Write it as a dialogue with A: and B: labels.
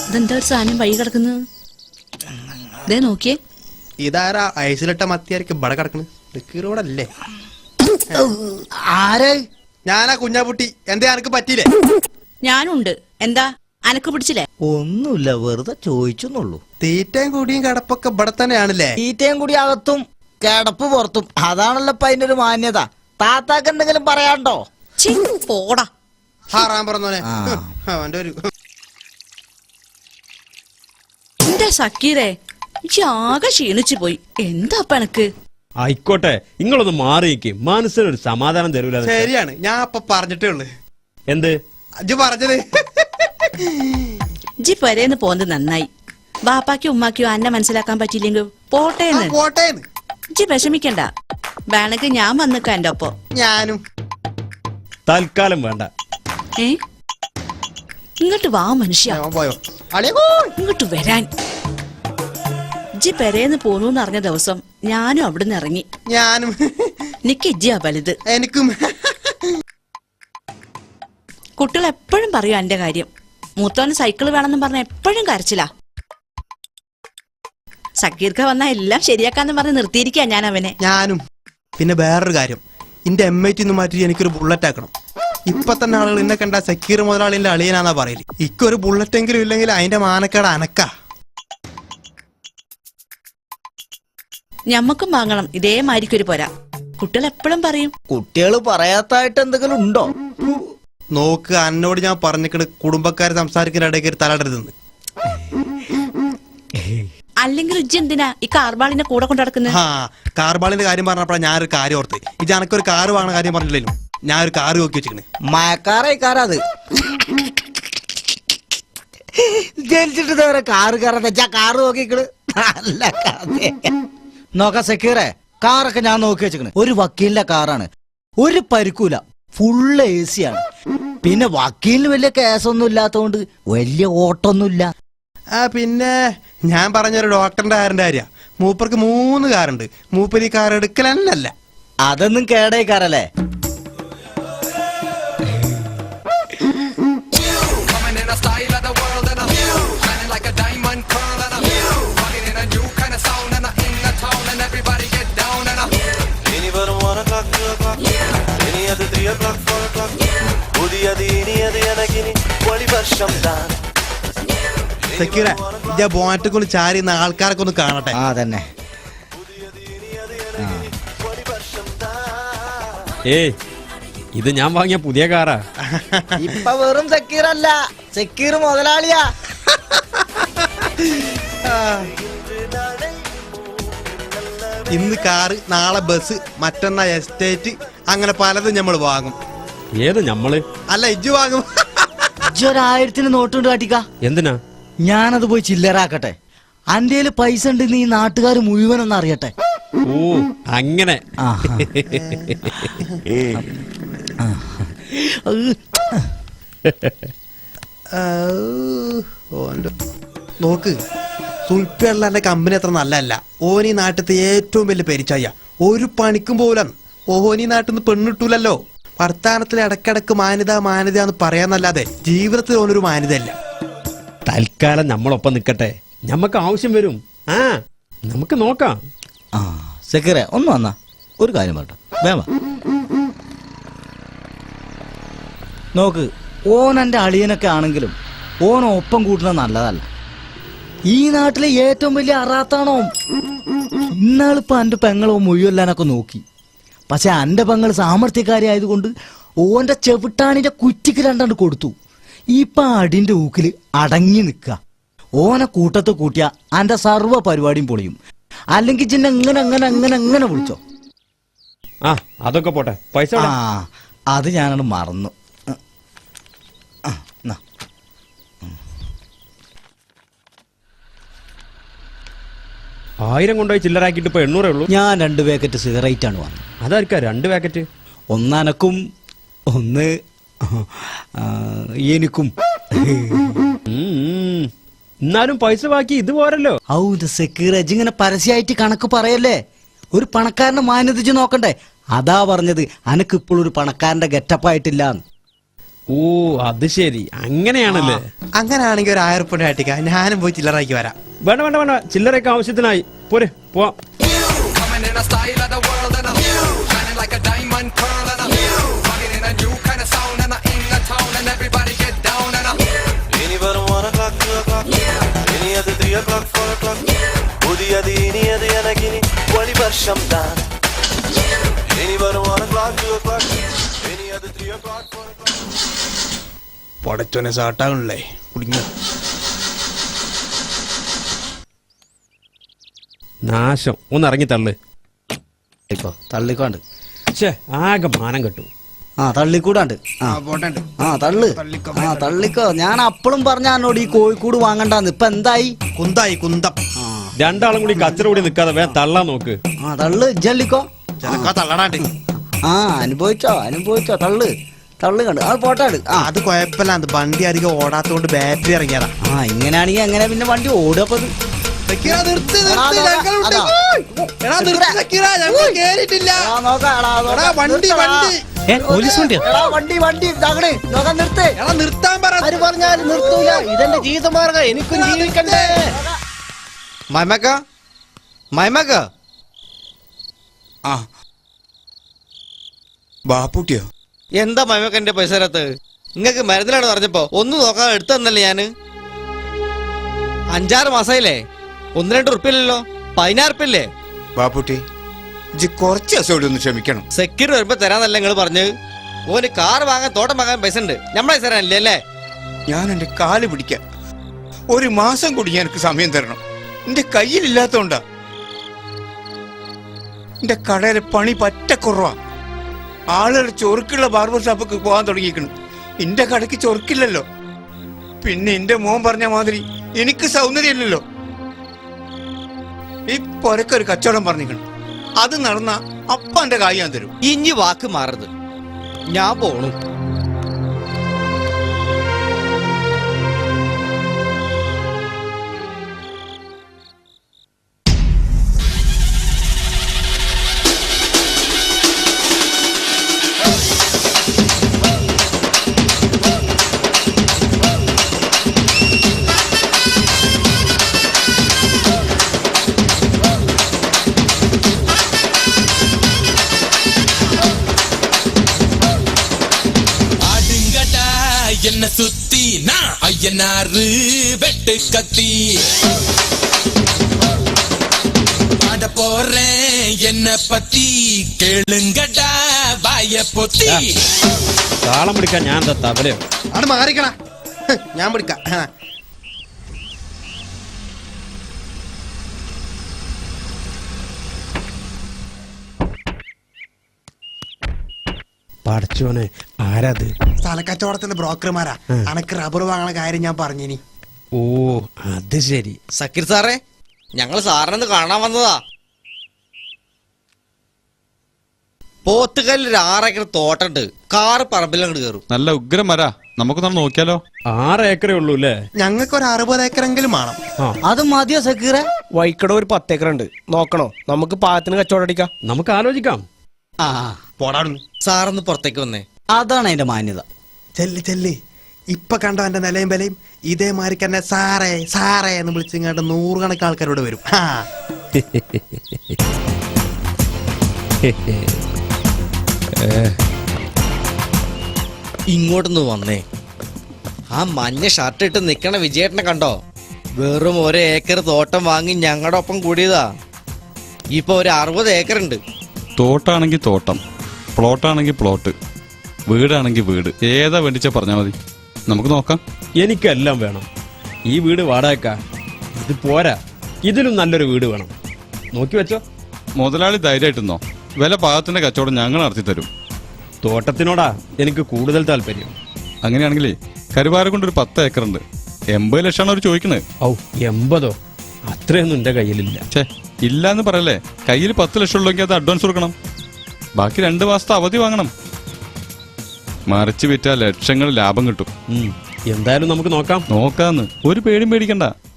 A: ഇതെന്താ ഒരു സാധനം വഴി കിടക്കുന്നു? ഇതേ നോക്കിയേ.
B: ഇതാരാ ഐസിലിട്ട മത്തിയായിരിക്കും ഇവിടെ കിടക്കണ്? ഡിക്കീറോടല്ലേ?
C: ആര്?
B: ഞാനാ കുഞ്ഞാപ്പുട്ടി. എന്താ എനക്ക് പറ്റിയില്ലേ?
A: ഞാനുണ്ട്. എന്താ അനക്ക് പിടിച്ചില്ലേ?
C: ഒന്നുമില്ല, വെറുതെ ചോദിച്ചെന്നുള്ളൂ.
B: തീറ്റയും കൂടിയും കിടപ്പൊക്കെ ഇവിടെ തന്നെയാണല്ലേ?
C: തീറ്റയും കൂടി അകത്തും കിടപ്പ് പുറത്തും, അതാണല്ലോ ഇപ്പൊ അതിന്റെ ഒരു മാന്യത. താത്താക്ക് എന്തെങ്കിലും പറയാണ്ടോ?
A: പോടാ
B: ഹാറാൻ പറഞ്ഞോനെ. അവന്റെ ഒരു
A: എന്താ സക്കീറേ, ആകെ ക്ഷീണിച്ചു പോയി. എന്താ അപ്പൊ എനക്ക്?
D: ആയിക്കോട്ടെ, നിങ്ങളൊന്ന് മാറിയിരിക്കും, മനസ്സിനൊരു സമാധാനം തരൂല.
B: ശരിയാണ്, ഞാൻ അപ്പൊ പറഞ്ഞിട്ടേ ഉള്ളു.
D: എന്ത്
B: അജ് പറഞ്ഞത്?
A: ജി പെരേന്ന് പോന്നത് നന്നായി. ബാപ്പാക്കും ഉമ്മാക്കും അന്നെ മനസ്സിലാക്കാൻ പറ്റിയില്ലെങ്കിൽ പോട്ടേന്ന്.
B: പോട്ടേന്ന്
A: ജി വിഷമിക്കണ്ട. വേണമെങ്കിൽ ഞാൻ വന്നിക്കാം എന്റെ ഒപ്പം.
B: ഞാനും
D: തൽക്കാലം വേണ്ട.
A: ഇങ്ങോട്ട് വാ മനുഷ്യ.
B: പോയോ
A: ഇങ്ങോട്ട് വരാൻ. ജി പെരേന്ന് പോന്നൂന്ന് അറിഞ്ഞ ദിവസം ഞാനും അവിടുന്ന് ഇറങ്ങി.
B: ഞാനും.
A: നിക്ക് ഇജ്ജിയാ വലുത്.
B: എനിക്കും.
A: കുട്ടികൾ എപ്പോഴും പറയും എന്റെ കാര്യം. മൂത്തോന് സൈക്കിൾ വേണമെന്ന് പറഞ്ഞ എപ്പോഴും കരച്ചില്ല. സക്കീർക്ക വന്നാ എല്ലാം ശരിയാക്കാന്ന് പറഞ്ഞ് നിർത്തിയിരിക്കാ ഞാൻ അവനെ.
B: ഞാനും. പിന്നെ വേറൊരു കാര്യം, എന്റെ M80 മാറ്റി എനിക്കൊരു ബുള്ളറ്റ് ആക്കണം. ഇപ്പൊ തന്നെ ആളുകൾ എന്നെ കണ്ട സക്കീർ മുതലാളിന്റെ അളിയനാന്നാ പറയല്. ഇക്കൊരു ബുള്ളറ്റ് എങ്കിലും ഇല്ലെങ്കിൽ അതിന്റെ മാനക്കേട് അനക്ക.
A: ഞമ്മക്കും വാങ്ങണം ഇതേമാരിക്കൊരു പോരാ. കുട്ടികൾ എപ്പോഴും പറയും.
C: കുട്ടികള് പറയാത്തായിട്ട് എന്തെങ്കിലും ഉണ്ടോ?
B: നോക്ക്, എന്നോട് ഞാൻ പറഞ്ഞിട്ട് കുടുംബക്കാര് സംസാരിക്കുന്ന ഇടയ്ക്ക് തലടരുതെന്ന്.
A: അല്ലെങ്കിൽ ഇജ്ജ് എന്തിനാ ഈ കാർബാളിന്റെ കൂടെ കൊണ്ടു നടക്കുന്നത്?
B: കാർബാളിന്റെ കാര്യം പറഞ്ഞപ്പോഴാണ് ഞാനൊരു കാര്യം ഓർത്ത്. ഇത് എനക്കൊരു കാറ് വാങ്ങുന്ന കാര്യം പറഞ്ഞില്ലല്ലോ, ഞാനൊരു കാറ് നോക്കി വെച്ചിരിക്കണ്.
C: മഴക്കാറത് ജനിച്ചിട്ട് കാറ് കയറാ കാറ് നോക്കിക്കള്. നല്ല കഥ. നോക്കാം സക്കീറെ, കാറൊക്കെ ഞാൻ നോക്കി വെച്ചിക്കണ്. ഒരു വക്കീലിന്റെ കാറാണ്, ഒരു പരിക്കൂല, ഫുള്ള് AC ആണ്. പിന്നെ വക്കീലിന് വലിയ കേസൊന്നും ഇല്ലാത്തോണ്ട് വലിയ ഓട്ടൊന്നുമില്ല.
B: പിന്നെ ഞാൻ പറഞ്ഞൊരു ഡോക്ടറിന്റെ കാറിന്റെ കാര്യ. മൂപ്പർക്ക് 3 കാറുണ്ട്. മൂപ്പര് ഈ കാർ എടുക്കലല്ല.
C: അതൊന്നും കേടേക്കാറല്ലേ?
B: ബോനറ്റ് കൊണ്ട് ചാരിയുന്ന ആൾക്കാരൊക്കെ ഒന്ന് കാണട്ടെ.
C: തന്നെ.
D: ഇത് ഞാൻ വാങ്ങിയ പുതിയ കാറാ.
C: ഇപ്പൊ വെറും സക്കീറല്ല, സക്കീർ മുതലാളിയാ.
B: ഇന്ന് കാറ്, നാളെ ബസ്, മറ്റന്നാ എസ്റ്റേറ്റ്, അങ്ങനെ പലതും നമ്മൾ വാങ്ങും.
D: ഏത് ഞമ്മള്?
B: അല്ല, ഇജ്ജ് വാങ്ങും.
C: ഇജ്ജൊരു 1000 നോട്ടുണ്ട് കാട്ടിക്ക.
D: എന്തിനാ?
C: ഞാനത് പോയി ചില്ലറാക്കട്ടെ. അന്റെയില് പൈസ ഉണ്ടെന്ന് ഈ നാട്ടുകാർ മുഴുവനൊന്നും അറിയട്ടെ.
D: ഓ അങ്ങനെ.
B: നോക്ക്, സുൽപ്പിയുള്ള കമ്പനി അത്ര നല്ലതല്ല. ഓനീ നാട്ടിലത്തെ ഏറ്റവും വലിയ പെരിച്ചായ. ഒരു പണിക്കും പോലും ഓനീ നാട്ടിൽ നിന്ന് പെണ്ണിട്ടൂലല്ലോ. വർത്താനത്തിൽ ഇടക്കിടക്ക് മാന്യത മാന്യത എന്ന് പറയാന്നല്ലാതെ ജീവിതത്തിൽ ഓനൊരു മാന്യതയല്ല.
D: തൽക്കാലം നമ്മളൊപ്പം നിക്കട്ടെ, ഞമ്മക്ക് ആവശ്യം വരും. നമുക്ക് നോക്കാം.
C: സെക്രട്ടറി ഒന്ന് വന്നാ ഒരു കാര്യം പറയട്ടെ. വേമ നോക്ക്, ഓൻ എൻ്റെ അളിയനൊക്കെ ആണെങ്കിലും ഓൻ ഒപ്പം കൂട്ടുന്നത് നല്ലതല്ല. ഈ നാട്ടിലെ ഏറ്റവും വലിയ അറാത്താണോ. ഇന്നാളിപ്പോ എൻ്റെ പെങ്ങളോ മുഴുവല്ലാനൊക്കെ നോക്കി. പക്ഷെ എൻ്റെ പെങ്ങൾ സാമർത്ഥ്യക്കാരി ആയതുകൊണ്ട് ഓന്റെ ചെവിട്ടാണിന്റെ കുറ്റിക്ക് 2 കൊടുത്തു. ഇപ്പൊ അടിന്റെ ഊക്കില് അടങ്ങി നിക്ക. ഓനെ കൂട്ടത്ത് കൂട്ടിയ അന്റെ സർവ്വ പരിപാടിയും പൊളിയും. അല്ലെങ്കിൽ ചിന്ന എങ്ങനെ അങ്ങനെ അങ്ങനെ അങ്ങനെ വിളിച്ചോ.
D: അതൊക്കെ പോട്ടെ, പൈസ.
C: അത് ഞാനത് മറന്നു.
D: 1000 കൊണ്ടുപോയി ചില്ലറാക്കിട്ട് ഇപ്പൊ 800 ഉള്ളൂ.
C: ഞാൻ 2 പാക്കറ്റ് സിഗരറ്റ് ആണ് വാങ്ങി.
D: അതായിരിക്കാ 2 പാക്കറ്റ്?
C: ഒന്ന് അനക്കും, ഒന്ന് എനിക്കും.
D: എന്നാലും പൈസ ബാക്കി ഇത് പോരല്ലോ.
C: സെക്യൂരിറ്റി ഇങ്ങനെ പരസ്യമായിട്ട് കണക്ക് പറയല്ലേ. ഒരു പണക്കാരനെ മാന്യതിച്ച് നോക്കണ്ടേ. അതാ പറഞ്ഞത് അനക്ക് ഇപ്പോഴൊരു പണക്കാരന്റെ ഗെറ്റപ്പായിട്ടില്ല.
D: ഓ അത് ശരി, അങ്ങനെയാണല്ലേ.
B: അങ്ങനെയാണെങ്കിൽ ഒരു 1000 ഉറുപ്പിക ആട്ടിക്ക, ഞാനും പോയി ചില്ലറാക്കി വരാം.
D: വേണ്ട വേണ്ട വേണ്ട, ചില്ലറയൊക്കെ ആവശ്യത്തിനായി. പോരെ, പോവാം.
E: Coming in a style of the world and I'm shining like a diamond pearl and I'm rocking in a new kind of sound and I'm in the town and everybody get down and I'm
F: ഇനി വെറും 1 o'clock 2 o'clock ഇനി അത് 3 o'clock 4 o'clock പുതിയത് ഇനിയത് എനക്കിനി വഴി വർഷം താൻ ഇനി വെറും 1 o'clock 2 o'clock ഇനി അത് 3 o'clock 4 o'clock
B: പൊടച്ചോനെ സാട്ടാകണല്ലേ കുടുങ്ങി.
D: നാശം, ഒന്ന് ഇറങ്ങി തള്ളു.
C: ഇപ്പൊ തള്ളിക്കോണ്ട്.
D: ആകെ മാനം കെട്ടു.
C: ആ തള്ളിക്കൂടാണ്ട്. ആ തള്ളിക്കോ. ഞാൻ അപ്പളും പറഞ്ഞ എന്നോട് ഈ കോഴിക്കൂട് വാങ്ങണ്ടാന്ന്. ഇപ്പൊ എന്തായി?
B: കുന്തായി കുന്തം.
D: രണ്ടാളും കൂടി കച്ചറ കൂടി നിൽക്കാതെ വേഗം തള്ളാൻ നോക്ക്.
C: ആ തള്ളു ജല്ലിക്കോ.
B: ചെലക്കാ തള്ളടാണ്ട്.
C: ആ അനുഭവിച്ചോ തള്ളു കണ്ട് അത് പോട്ടാട്.
B: അത് കുഴപ്പമില്ല, അത് വണ്ടി അധികം ഓടാത്തോണ്ട് ബാറ്ററി ഇറങ്ങിയതാ.
C: ആ ഇങ്ങനെയാണെങ്കിൽ എങ്ങനെ പിന്നെ വണ്ടി ഓടുകപ്പത്?
B: നിർത്താൻ നിർത്തൂല. ഇതെന്റെ ജീവിതമാർഗം, എനിക്കും ജീവിക്കണ്ടേ. മൈമക്ക
G: ആ ബാപ്പൂട്ടിയോ?
H: എന്താ മൈമക്കന്റെ പൈസ തരാത്ത്? നിങ്ങക്ക് മരുന്നിലാണ് പറഞ്ഞപ്പോ ഒന്നും നോക്കാതെ എടുത്തു തന്നല്ലേ ഞാന്. 5-6 മാസമായില്ലേ, 1-2 ഉറുപ്പില്ലല്ലോ, 16 ഉറുപ്പില്ലേ?
G: ബാപ്പൂട്ടി ഇജ്ജ് കുറച്ച് ദിവസം കൂടി ഒന്ന് ക്ഷമിക്കണം.
H: സെക്യൂരിറ്റി വരുമ്പോ തരാന്നല്ല നിങ്ങൾ പറഞ്ഞത്. ഓന് കാർ വാങ്ങാൻ തോട്ടം വാങ്ങാൻ പൈസ ഉണ്ട്, നമ്മളെ പൈസ തരാനില്ലേ അല്ലേ?
G: ഞാൻ എന്റെ കാല് പിടിക്കാം. 1 മാസം കൂടി എനിക്ക് സമയം തരണം. എന്റെ കയ്യിലില്ലാത്തോണ്ടാ. എന്റെ കടയിലെ പണി പറ്റ കുറവാ. ആളുകൾ ചൊറുക്കുള്ള ബാർബർ ഷോപ്പൊക്കെ പോകാൻ തുടങ്ങിയിരിക്കണം. എന്റെ കടയ്ക്ക് ചൊറുക്കില്ലല്ലോ. പിന്നെ എന്റെ മോൻ പറഞ്ഞ മാതിരി എനിക്ക് സൗന്ദര്യമില്ലല്ലോ. ഈ പൊരക്കൊരു കച്ചവടം പറഞ്ഞിരിക്കണം. അത് നടന്ന അപ്പ എന്റെ കായ് ഞാൻ തരും.
H: ഇഞ്ഞി വാക്ക് മാറരുത്, ഞാൻ പോണു.
E: என்ன சுத்தி நான் ஐயனாரு வெட்டு கத்தி பாட போறேன் என்ன பத்தி கேளுங்கடா வாய பொத்தி.
D: താളം പിടിക്കാൻ ഞാൻ എന്താ തബലയോ?
B: അത് മാറിക്കണ, ഞാൻ പിടിക്കാം.
D: പഠിച്ചോനെ, ആരാത്?
B: സ്ഥലക്കച്ചവടത്തിന്റെ ബ്രോക്കർമാരാ. അനക്ക് റബ്ബർ വാങ്ങണ കാര്യം ഞാൻ പറഞ്ഞിനി.
D: ഓ അത് ശരി.
H: സക്കീർ സാറേ, ഞങ്ങൾ സാറിനൊന്ന് കാണാൻ വന്നതാ. പോത്തുകല്ലിൽ 6 ഏക്കർ തോട്ടുണ്ട്, കാറ് പറമ്പിലങ്ങോട്ട് കയറും.
I: നല്ല ഉഗ്രം മര, നമുക്കൊന്ന് നോക്കിയാലോ?
D: 6 ഏക്കറേ ഉള്ളൂ അല്ലേ?
B: ഞങ്ങൾക്ക് ഒരു 60 ഏക്കറെങ്കിലും വേണം.
C: അത് മതിയോ സക്കീറെ?
J: വൈക്കട ഒരു 10 ഏക്കർ ഉണ്ട്, നോക്കണോ? നമുക്ക് പാത്തിന് കച്ചവടം അടിക്കാം.
D: നമുക്ക് ആലോചിക്കാം.
C: ആ
B: പോടാടുന്നു.
H: സാറൊന്ന് പുറത്തേക്ക് വന്നേ.
C: അതാണ് അതിന്റെ മാന്യത.
B: ചെല്ല് ഇപ്പൊ കണ്ടോ എന്റെ നിലയും വിലയും? ഇതേമാതിരി തന്നെ സാറേ സാറേ എന്ന് വിളിച്ചിങ്ങാണ്ട് 100 കണക്കിന് ആൾക്കാരോട് വരും.
H: ഇങ്ങോട്ടൊന്ന് വന്നേ. ആ മഞ്ഞ ഷർട്ട് ഇട്ട് നിക്കണ വിജയേട്ടനെ കണ്ടോ? വെറും 1 ഏക്കർ തോട്ടം വാങ്ങി ഞങ്ങളുടെ ഒപ്പം കൂടിയതാ. ഇപ്പൊ ഒരു 60 ഏക്കർ ഉണ്ട്.
I: തോട്ടാണെങ്കിൽ തോട്ടം, പ്ലോട്ടാണെങ്കിൽ പ്ലോട്ട്, വീടാണെങ്കിൽ വീട്, ഏതാ വേണ്ടിച്ച പറഞ്ഞാൽ മതി, നമുക്ക് നോക്കാം.
D: എനിക്കെല്ലാം വേണം. ഈ വീട് വാടകയ്ക്കാ, ഇത് പോരാ, ഇതിലും നല്ലൊരു വീട് വേണം. നോക്കി വെച്ചോ.
I: മുതലാളി ധൈര്യമായിട്ടെന്നോ, വില പാകത്തിന്റെ കച്ചവടം ഞങ്ങൾ നടത്തി തരും.
D: തോട്ടത്തിനോടാ എനിക്ക് കൂടുതൽ താല്പര്യം.
I: അങ്ങനെയാണെങ്കിലേ കരുവാരക്കൊണ്ട് ഒരു 10 ഏക്കർ ഉണ്ട്, 80 ലക്ഷമാണ് അവർ ചോദിക്കുന്നത്.
D: ഔ 80? അത്രയൊന്നും എന്റെ കയ്യിലില്ല.
I: ഛേ, ഇല്ലാന്ന് പറയല്ലേ. കയ്യിൽ 10 ലക്ഷം ഉള്ളെങ്കിൽ അത് അഡ്വാൻസ് കൊടുക്കണം. ബാക്കി 2 മാസത്തെ അവധി വാങ്ങണം. മറിച്ച് വിറ്റാൽ ലക്ഷങ്ങൾ ലാഭം കിട്ടും.
D: എന്തായാലും നമുക്ക് നോക്കാം.
I: നോക്കാന്ന് ഒരു പേടിയും പേടിക്കണ്ട.